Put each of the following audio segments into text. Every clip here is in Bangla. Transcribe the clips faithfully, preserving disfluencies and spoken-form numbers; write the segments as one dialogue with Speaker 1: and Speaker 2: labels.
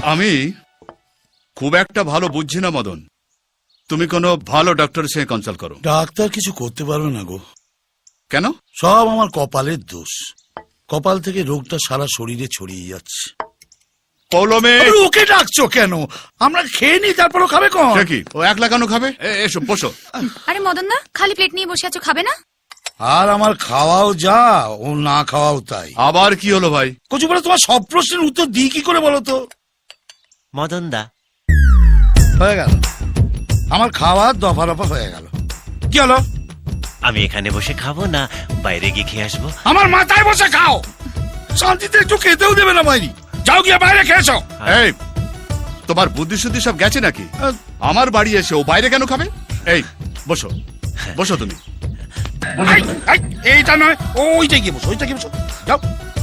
Speaker 1: আমি খুব একটা ভালো বুঝছি না মদন, তুমি কোনো ভালো ডাক্তারের সঙ্গে কনসাল্ট করো।
Speaker 2: ডাক্তার কিছু করতে পারবে না গো।
Speaker 1: কেন?
Speaker 2: সব আমার কপালের দোষ। কপাল থেকে রোগটা সারা শরীরে ছড়িয়ে যাচ্ছে।
Speaker 1: পৌলমে,
Speaker 2: ওকে ডাকছো কেন? আমরা খেয়ে নি, তারপরও খাবে কোন?
Speaker 1: কি ও একলা কেন খাবে? এসো বসো।
Speaker 3: আরে মদন দা, খালি প্লেট নিয়ে বসে আছো, খাবে না?
Speaker 2: আর আমার খাওয়াও যা, ও না খাওয়াও তাই।
Speaker 1: আবার কি হলো ভাই?
Speaker 2: কচু বলে তোমার সব প্রশ্নের উত্তর দিই কি করে বলো তো?
Speaker 4: মদন দা,
Speaker 2: হয়ে গেল আমার খাওয়া, দফা রফা হয়ে গেল। কি হলো?
Speaker 4: আমি এখানে বসে খাবো না বাইরে গিয়ে খেয়ে আসবো?
Speaker 2: আমার মাথায় বসে খাও, শান্তিতে একটু খেতেও দেবে না বাইরে। যাও গিয়ে বাইরে খেয়েছো।
Speaker 1: এই তোমার বুদ্ধি শুদ্ধি সব গেছে নাকি? আমার বাড়ি এসে ও বাইরে কেন খাবে? এই বসো বসো তুমি।
Speaker 2: এইটা নয়, ওইটা গিয়ে বসো, ওইটা গিয়ে বসো, যাও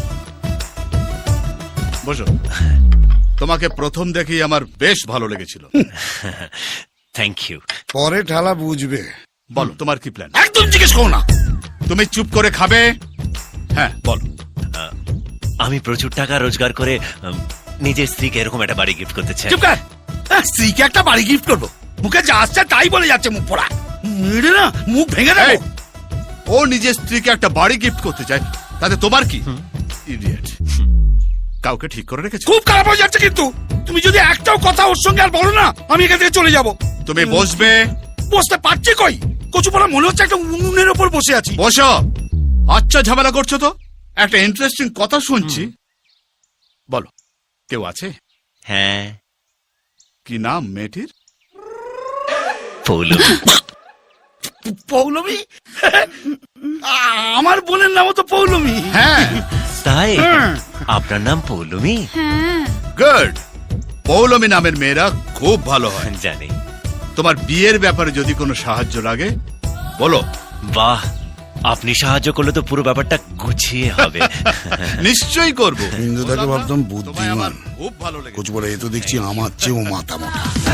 Speaker 1: বসো। তোমাকে প্রথম দেখেই আমার বেশ ভালো লেগেছিল।
Speaker 4: Thank you.
Speaker 2: পরে ঠালা বুঝবে।
Speaker 1: বলো তোমার কি প্ল্যান?
Speaker 2: একদম জিজ্ঞেস করো না,
Speaker 1: তুমি চুপ করে খাবে। হ্যাঁ বলো।
Speaker 4: আমি প্রচুর টাকা রোজগার করে উম, নিজের স্ত্রীকে এরকম একটা বাড়ি গিফট করতে চাই।
Speaker 2: চুপ কর। আহ, স্ত্রীকে একটা বাড়ি গিফট করবো? মুখে যা আসছে তাই বলে যাচ্ছে, মুখ পড়া মেরে না মুখ ভেঙে দেবো।
Speaker 1: এই, ও নিজের স্ত্রীকে একটা বাড়ি গিফট করতে চায়, তাতে তোমার কি? ইডিয়েট। কাউকে ঠিক করে রেখেছো?
Speaker 2: খুব খারাপ হয়ে যাচ্ছে কিন্তু। তুমি যদি একটাও কথা ওর সঙ্গে আর বলো না, আমি এখান থেকে চলে যাব।
Speaker 1: তুমি বসবে।
Speaker 2: বসতে পারছি কই? কচু পড়া মনে হচ্ছে একটা উনুনের ওপর বসে আছি।
Speaker 1: বসো। আচ্ছা ঝামেলা করছো তো? একটা ইন্টারেস্টিং কথা শুনছি। বলো, কেউ আছে?
Speaker 4: হ্যাঁ,
Speaker 1: কি নাম মেয়েটির?
Speaker 4: পৌলমী।
Speaker 2: পৌলমী? আমার বোনের নামও তো পৌলমী।
Speaker 1: হ্যাঁ।
Speaker 4: তাই আপনার নাম পৌলমী?
Speaker 1: গুড। পৌলমী নামের মেয়েরা খুব ভালো হয়।
Speaker 4: জানি।
Speaker 1: তোমার বিয়ের ব্যাপারে যদি কোনো সাহায্য লাগে বলো।
Speaker 4: বাহ, আপনি সাহায্য করলে তো পুরো ব্যাপারটা গুছিয়ে হবে।
Speaker 1: নিশ্চয়ই করবো।
Speaker 2: হিন্দুটাকে ভাবতাম
Speaker 1: তোমায়
Speaker 2: বুদ্ধিমান,
Speaker 1: আমার খুব ভালো লেগেছে।
Speaker 2: কচু পড়া এ তো দেখছি আমার চেয়েও মাথা মোটা।